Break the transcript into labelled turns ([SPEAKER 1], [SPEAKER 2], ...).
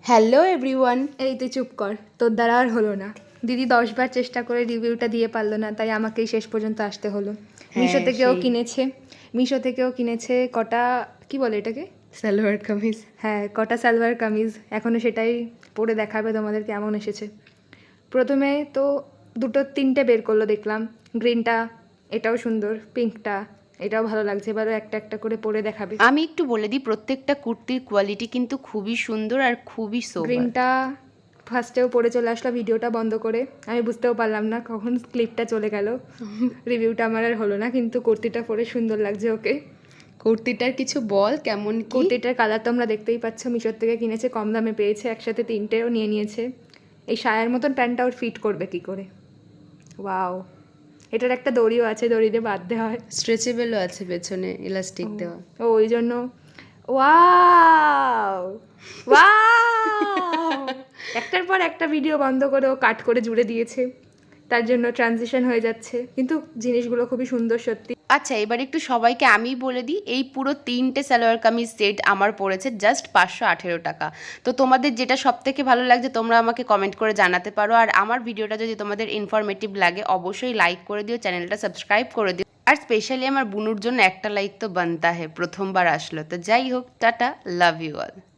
[SPEAKER 1] Hello everyone.
[SPEAKER 2] এই তুই চুপ কর, তোর দ্বারা আর হলো না। দিদি 10 বার চেষ্টা করে রিভিউটা দিয়ে পারলো না, তাই আমাকেই শেষ পর্যন্ত আসতে হলো। মিশো থেকেও কিনেছে কটা, কি বলে এটাকে,
[SPEAKER 1] সালোয়ার কামিজ।
[SPEAKER 2] হ্যাঁ কটা সালোয়ার কামিজ, এখনও সেটাই পরে দেখাবে তোমাদের কেমন এসেছে। প্রথমে তো দুটো তিনটে বের করলো দেখলাম, গ্রিনটা এটাও সুন্দর, পিঙ্কটা এটাও ভালো লাগছে, এবারও একটা একটা করে পরে দেখাবে।
[SPEAKER 1] আমি একটু বলে দিই, প্রত্যেকটা কুর্তির কোয়ালিটি কিন্তু খুবই সুন্দর আর খুবই সোবার।
[SPEAKER 2] গ্রিনটা ফার্স্টেও পরে চলে আসলো ভিডিওটা বন্ধ করে, আমি বুঝতেও পারলাম না কখন ক্লিপটা চলে গেল। রিভিউটা আমার আর হলো না, কিন্তু কুর্তিটা পরে সুন্দর লাগছে ওকে।
[SPEAKER 1] কুর্তিটার কিছু বল, কেমন কি?
[SPEAKER 2] কুর্তিটার কালার তো আমরা দেখতেই পাচ্ছ, মিশোর থেকে কিনেছে, কম দামে পেয়েছে, একসাথে তিনটেও নিয়ে নিয়েছে। এই সায়ার মতন প্যান্টটা ওর ফিট করবে কি করে, ওয়াও। এটার একটা দড়িও আছে, দড়ি দিয়ে বাঁধতে হয়,
[SPEAKER 1] স্ট্রেচেবলও আছে পেছনে, ইলাস্টিক দেওয়া।
[SPEAKER 2] ও ওই জন্য ওয়াও ওয়াও। একটার পর একটা ভিডিও বন্ধ করে ও কাট করে জুড়ে দিয়েছে, তার জন্য ট্রানজিশন হয়ে যাচ্ছে, কিন্তু জিনিসগুলো খুবই সুন্দর সত্যি।
[SPEAKER 1] আচ্ছা, এবার একটু সবাইকে আমি বলে দিই, এই পুরো 3টে সালোয়ার কামিজ সেট আমার পড়েছে জাস্ট 518 টাকা। তো তোমাদের যেটা সব থেকে ভালো লাগছে তোমরা আমাকে কমেন্ট করে জানাতে পারো। আর আমার ভিডিওটা যদি তোমাদের ইনফরমেটিভ লাগে অবশ্যই লাইক করে দিও, চ্যানেলটা সাবস্ক্রাইব করে দিও। আর স্পেশালি আমার বুনুর জন্য একটা লাইক তো বানতা হে, প্রথমবার আসলো। তো যাই হোক, টাটা, লাভ ইউ অল।